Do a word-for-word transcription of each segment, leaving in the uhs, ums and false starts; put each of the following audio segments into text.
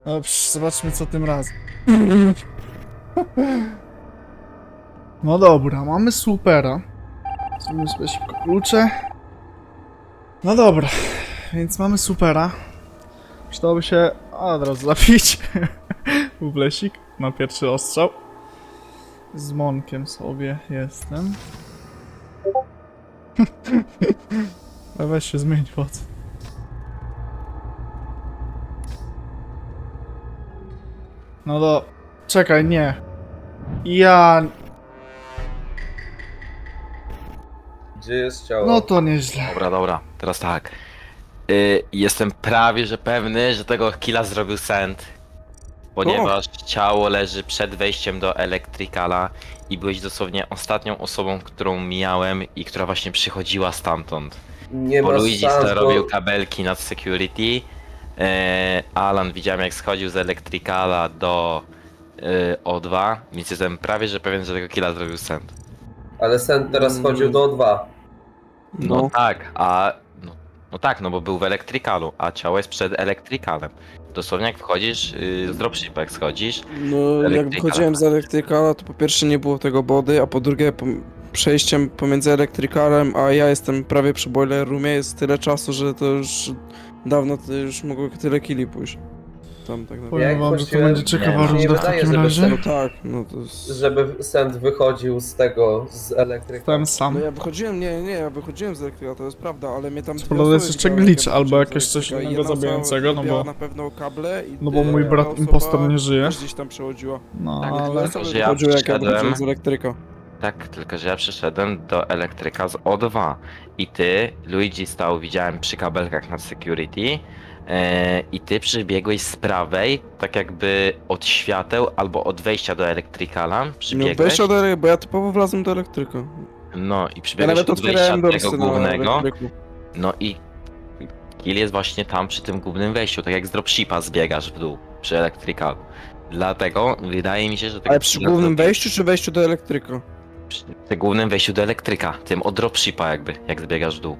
No, psz, zobaczmy co tym razem. No dobra, mamy supera. Zrobimy sobie szybko klucze. No dobra, więc mamy supera. Przydałoby się od razu zapić. Bublesik na pierwszy ostrzał. Z Monkiem sobie jestem. A weź się zmień foc. No do... Czekaj, nie. Ja... Gdzie jest ciało? No to nieźle. Dobra, dobra, teraz tak. Y, jestem prawie że pewny, że tego killa zrobił Sand. Ponieważ ciało leży przed wejściem do Electricala i byłeś dosłownie ostatnią osobą, którą mijałem i która właśnie przychodziła stamtąd. Nie Bo ma Luigi szans, bo... robił kabelki nad security. E, Alan widziałem jak schodził z Electricala do e, O dwa, więc jestem prawie że pewien, że tego killa zrobił Sand. Ale Sen teraz Mm. chodził do O dwa. No, No. tak, a... No, no tak, no bo był w Electricalu, a ciało jest przed Electricalem. Dosłownie jak wchodzisz, yy, z dropshipa jak schodzisz, No, jak Elektrykala. wychodziłem z Elektrykala, to po pierwsze nie było tego body, a po drugie po przejściem pomiędzy Elektrykalem, a ja jestem prawie przy Boiler Roomie, jest tyle czasu, że to już dawno to już mogło tyle killi pójść. Tam tak naprawdę. Powiem Jak wam, że to właściwie- będzie ciekawa nie, nie runda w wydaje, takim żeby razie. No tak, no to jest... Żeby Sen wychodził z tego, z elektryka. Ten sam. No ja wychodziłem, nie, nie, ja wychodziłem z Elektryka, to jest prawda, ale mnie tam dwie Prawda, jest osoby jeszcze widziały, glitch jak albo wychodziłem z jakieś coś Elektryka. innego Jedna osoba zabijającego, no robiła bo- na pewno kable i No bo mój druga brat osoba impostor nie żyje. też gdzieś tam przechodziła. No Tak, ale... Osoby że ja wychodziły, jak ja przyszedłem- wychodziłem z Elektryka. tak, tylko że ja przyszedłem do elektryka z O dwa i ty, Luigi stał, widziałem przy kabelkach nad security e, i ty przybiegłeś z prawej, tak jakby od świateł albo od wejścia do Electricala, No przybiegłeś, wejścia do Elektryka, bo ja typowo wlazłem do Elektryka. no i Ja przybiegłeś nawet od wejścia otwierałem tego dorsy na głównego, Elektryku. no i kill jest właśnie tam przy tym głównym wejściu, tak jak z dropshipa zbiegasz w dół przy Electricalu. Dlatego wydaje mi się, że tego Ale przy killa głównym zrobił- wejściu czy wejściu do Elektryka? przy tym głównym wejściu do elektryka, tym od dropshipa jakby, jak zbiegasz w dół.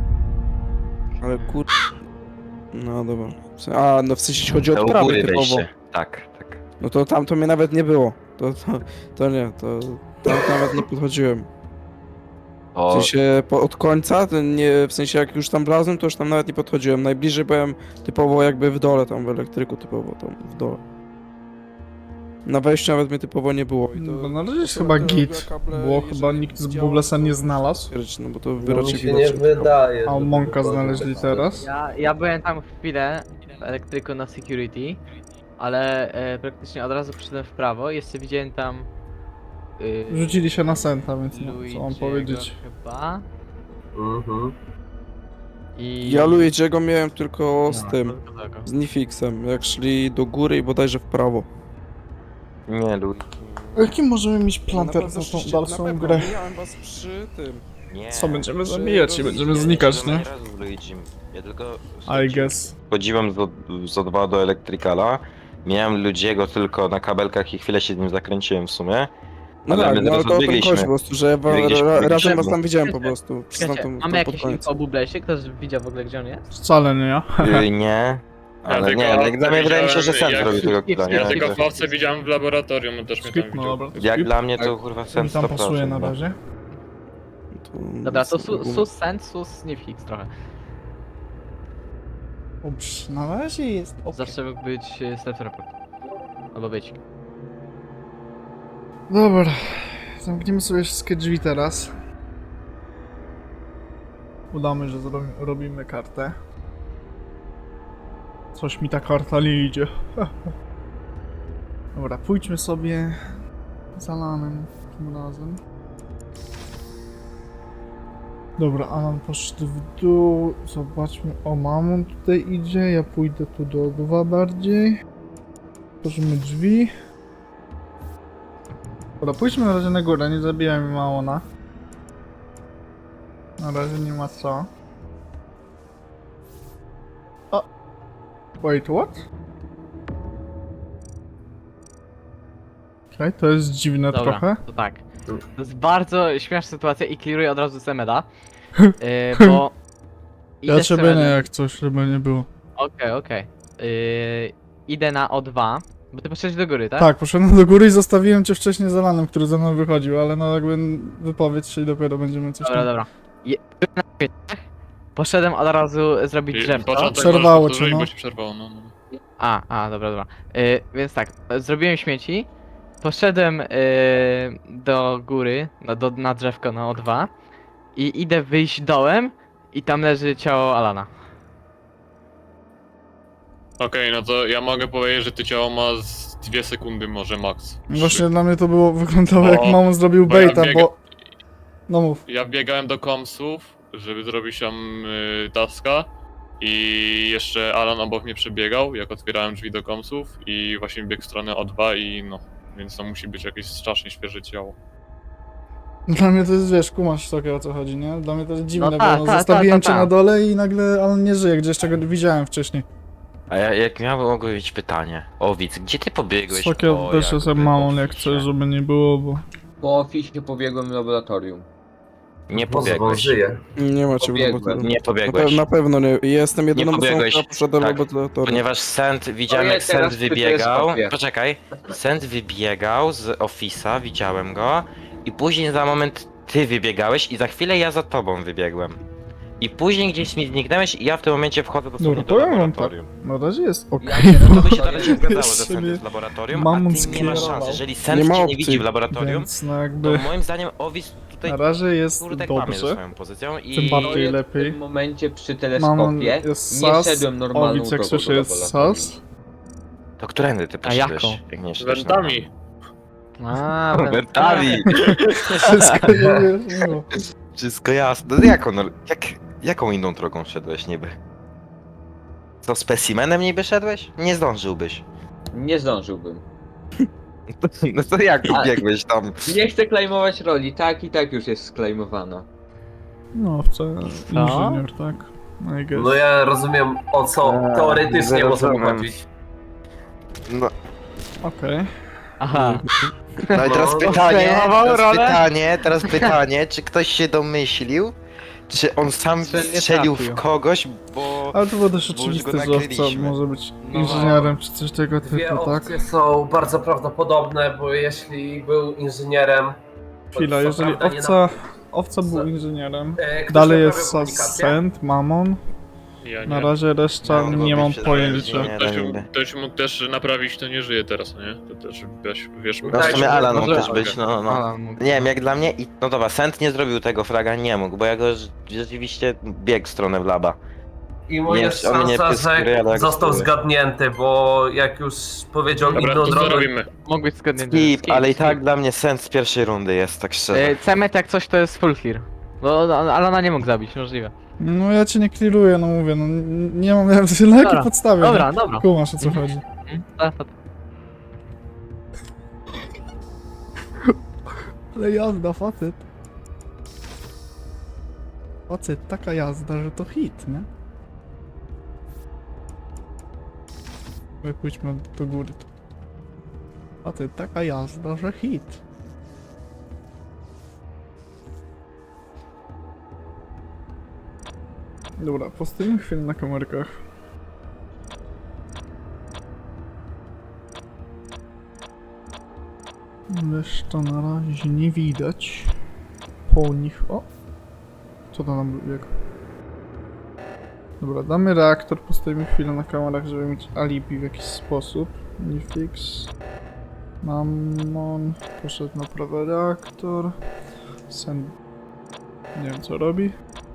Ale kur... No dobra. W sen- A, no w sensie jeśli chodzi To o u prawy góry typowo. wejście. Tak, tak. No to tam to mnie nawet nie było. To, to, to nie, to tam nawet nie podchodziłem. W O, sensie po, od końca, to nie, w sensie jak już tam wlazłem, to już tam nawet nie podchodziłem. Najbliżej byłem typowo jakby w dole, tam w elektryku typowo, tam w dole. Na wejściu nawet mnie typowo nie było. I to, No na razie jest osoba, chyba która git, robiła kable, bo jeżeli chyba nikt z widziała, Bublesa to nie znalazł. stwierdzić, No bo to No, wy mi raczej się widać, nie że- wydaje. A żeby Monka wychodził znaleźli tak teraz. Ja, ja byłem tam chwilę w elektryku na security, ale e, praktycznie od razu przyszedłem w prawo. Jeszcze widziałem tam. Y, Rzucili się na Senta, więc no, co mam Luigi'ego powiedzieć. Chyba. Mhm. I. Ja Luigi'ego miałem tylko z No, tym, tylko tego. z Nifixem, jak szli do góry i bodajże w prawo. nie, Luigi. Jaki możemy mieć plan Na teraz pewno na tą szliście- na dalszą pewno, grę? Mijałem was przy tym. Nie. Co, będziemy Że zabijać i roz- będziemy ja znikać, nie? Nie razu z Luigi. Ja tylko I guess. chodziłem z, z O dwa do Electricala. Miałem Luigiego tylko na kabelkach i chwilę się z nim zakręciłem w sumie. No Ale tak, my no ale zaraz to o tym odbiegliśmy. chodzi po prostu, że wa- Biegliśmy, ra, razem biegliśmy. was tam widziałem po prostu. Czekajcie, Tam, tam mamy pod jakieś koniec. info o Bublesie? Ktoś widział w ogóle gdzie on jest? Wcale nie ja. Yy, nie. Ale tylko nie, jak dla mnie wydaje mi się, że widziałem, Sen jak- zrobił tego killa, nie? Ja tego Że- Fawce widziałem w laboratorium, on też mnie Skip, tam no widział. dobra. to Jak skip. dla mnie to kurwa Sen Mi tam pasuje na razie. To Dobra, to nic su, nie sus send, sus Nifix trochę. Ups, na razie jest ok. Zawsze mógł być e, self-report. Albo być. Dobra, zamkniemy sobie wszystkie drzwi teraz. Udamy, że zrobi, robimy kartę. Coś mi ta karta nie idzie. Dobra, pójdźmy sobie z Alanem tym razem. Dobra, Alan poszedł w dół. Zobaczmy. O, Mamon tutaj idzie. Ja pójdę tu do dwa bardziej. Otworzymy drzwi. Dobra, pójdźmy na razie na górę, nie zabijajmy Mamona. Na razie nie ma co. O! Wait, what? Okej, to jest dziwne Dobra, trochę. to tak. To jest bardzo śmieszna sytuacja i clearuję od razu Semeda. Yy, bo... Ja idę z ciebie nie Semedem. jak coś, żeby nie było. Okej, okej. Yy, idę na O dwa, bo ty poszedłeś do góry, tak? Tak, poszedłem do góry i zostawiłem cię wcześniej z Alanem, który ze mną wychodził, ale no jakby wypowiedz się i dopiero będziemy coś Dobra, tam... dobra. Je... byłem na kwietniach, poszedłem od razu zrobić I drzewko. początek Przerwało możesz cię, powtórzyć, no. bo ci przerwało, no. no. A, a, dobra, dobra. Y, więc tak, y, zrobiłem śmieci, poszedłem y, do góry, na, do, na drzewko na O dwa i idę wyjść dołem i tam leży ciało Alana. Okej, no to ja mogę powiedzieć, że ty ciało ma z dwie sekundy może max. Właśnie dla mnie to było, wyglądało jak Bo- mamon zrobił bo ja baita, biega- bo... No mów. Ja wbiegałem do komsów, żeby zrobić tam y, taska i jeszcze Alan obok mnie przebiegał, jak otwierałem drzwi do komsów i właśnie biegł w stronę O dwa i no, więc to musi być jakieś strasznie świeże ciało. Dla mnie to jest, wiesz, kumasz takie o co chodzi, nie? Dla mnie to jest dziwne, No ta, bo no, ta, zostawiłem ta, ta, cię ta. na dole i nagle Alan nie żyje, gdzieś czego widziałem wcześniej. A ja, jak miałem mogło być pytanie. Owic, gdzie ty pobiegłeś? Takie po też jakby sobie mamon jak oficie? chcesz, żeby nie było, bo... Po oficie pobiegłem w laboratorium. Nie Bo pobiegłeś. żyje. Nie macie w Pobiegłem. laboratorium. Nie Na, pobiegłeś. pe na pewno nie. Jestem jedyną osobą, pobiegłeś. która poszedła do Tak. laboratorium. Ponieważ Sent, widziałem ja jak Sent teraz pytuję wybiegał. Skopię. Poczekaj. Sent wybiegał z Office'a, widziałem go. I później za moment ty wybiegałeś i za chwilę ja za tobą wybiegłem. I później gdzieś mi zniknęłeś i ja w tym momencie wchodzę dosłownie Dobra, do powiem wam tak. laboratorium. Na razie jest okej. Ja się To by się teraz nie zgadzało, że Jeszcze Sent mnie jest w laboratorium, Mamon a ty nie masz skierował. szans. Jeżeli Nie Sent ma cię nie opcji, widzi w laboratorium, Więc no to jakby... moim zdaniem Owic tutaj Na razie jest kurde kłamie ze dobrze. swoją pozycją i... Tym bardziej Ja lepiej. W tym momencie przy Mamon teleskopie jest nie sas, szedłem normalną Owic jak drogą słyszę do jest laboratorium. sas. To którędy ty A poszedłeś? jaką? Jak nie Z szedłeś wentami. A, na- Wentami! Wszystko nie wyjaśniło. Wszystko jasne. No jaką, no, jak, jaką inną drogą szedłeś niby? Co, specimenem niby szedłeś? Nie zdążyłbyś. Nie zdążyłbym. No to jak A- biegłeś tam? Nie chcę klejmować roli, tak i tak już jest sklejmowana. No, wcale inżynier, tak? I guess. No ja rozumiem o co Eee, teoretycznie może rozumiem. chodzić. No, Okej. aha. no i teraz No, pytanie, przejmował teraz rolę. pytanie, teraz pytanie, czy ktoś się domyślił? Czy on sam Że nie strzelił w trafił. kogoś, bo... Ale to było też Bo już oczywiste, go że owca nakryliśmy. może być No. inżynierem czy coś tego Dwie typu, tak? opcje są bardzo prawdopodobne, bo jeśli był inżynierem... to Chwila, co jeżeli prawda nie owca, owca był Co? inżynierem, E, ktoś dalej naprawiał jest komunikację? Sent, Mamon, Ja na nie. razie reszta No, nie bo mam się pojęcia. zależy, nie? Ktoś, niby. ktoś mógł też naprawić, to nie żyje teraz, no nie? To też wiesz, wiesz No w Tak, sumie Alan mógł może- też być, no, no. Alan mógł. Nie wiem, jak dla mnie, i no dobra, Sent nie zrobił tego fraga, nie mógł, bo ja go rz- rzeczywiście biegł w stronę w laba. I mu Nie, jest on mnie szansa, pyskuje, ale że jak został spróbuję. zgadnięty, bo jak już powiedział Dobra, inną to co drogę... robimy? Mógł być zgodnie. Skip, ale i tak dla mnie Sent z pierwszej rundy jest, tak szczerze. Y, Cemet jak coś to jest full clear. Bo no, Alana nie mógł zabić, możliwe. No ja cię nie clearuję, no mówię, no n- nie mam na jakiej Dobra, podstawie. Dobra, nie? dobra. Kumasz o co Mhm. chodzi. Mm, ta, ta, ta. Ale jazda, facet. Facet, taka jazda, że to hit, nie? My pójdźmy do góry. Facet, taka jazda, że hit. Dobra, postawimy chwilę na kamerkach. Reszta na razie nie widać. Po nich. O! Co to nam biegł? Dobra, damy reaktor, postawimy chwilę na kamerach, żeby mieć alibi w jakiś sposób. Nifix. Mammon. Poszedł na prawy reaktor. Sen. Nie wiem co robi.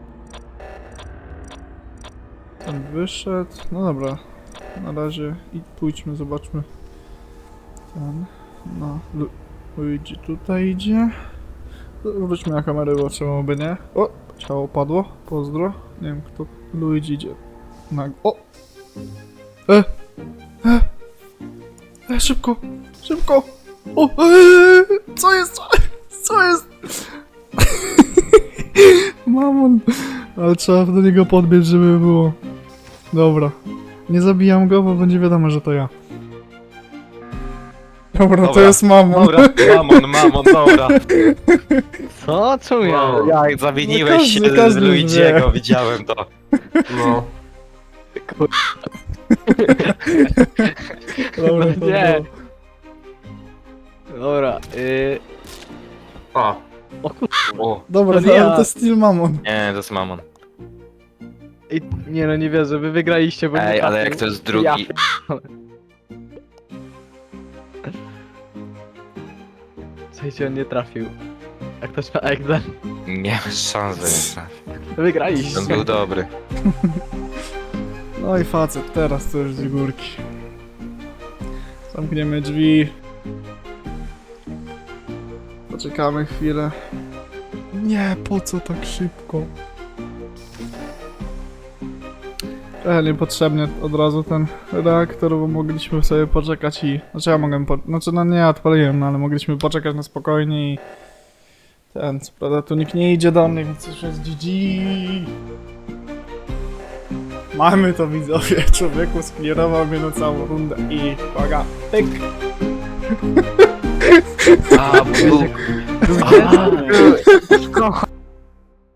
Ten wyszedł. No dobra. Na razie i pójdźmy, zobaczmy. Ten. No. Lu Luigi tutaj idzie. Wróćmy na kamerę, bo trzeba by nie. O! Ciało padło. Pozdro. Nie wiem kto. Luigi idzie. Na... O! E! E! E! Szybko! Szybko! O! E! Co jest? Co jest? Mamon! Ale trzeba do niego podbiec, żeby było. Dobra. Nie zabijam go, bo będzie wiadomo, że to ja. Dobra, to Dobra. jest mamon. Dobra, mamon, mamon, dobra. Co? Czemu ja? Wow. Jak zawiniłeś No każdy- się każdy z już Luigiego, wie. widziałem to. No. Dobra, to Nie. było. Dobra, yy... O, O kur... O, Dobra, To no, ja. ale to Steel Mammon. nie, to jest mamon. Ej, nie no, nie wierzę, wy wygraliście, bo nie Ej, ale trafił. jak to jest Ja drugi... Słuchajcie, on nie trafił. Jak to trzeba egzem? Nie masz szans, że nie trafi. Wygraliście. On był dobry. No i facet, teraz to już z górki. Zamkniemy drzwi. Poczekamy chwilę. Nie, po co tak szybko? E, niepotrzebnie od razu ten reaktor, bo mogliśmy sobie poczekać i... Znaczy ja mogłem po... Znaczy no nie, odpaliłem, no ale mogliśmy poczekać na spokojnie i... Ten, co prawda tu nikt nie idzie do mnie, więc już jest G G. Mamy to, widzowie. Człowieku sklirował mnie na całą rundę i uwaga, pyk. A, bo wiecie...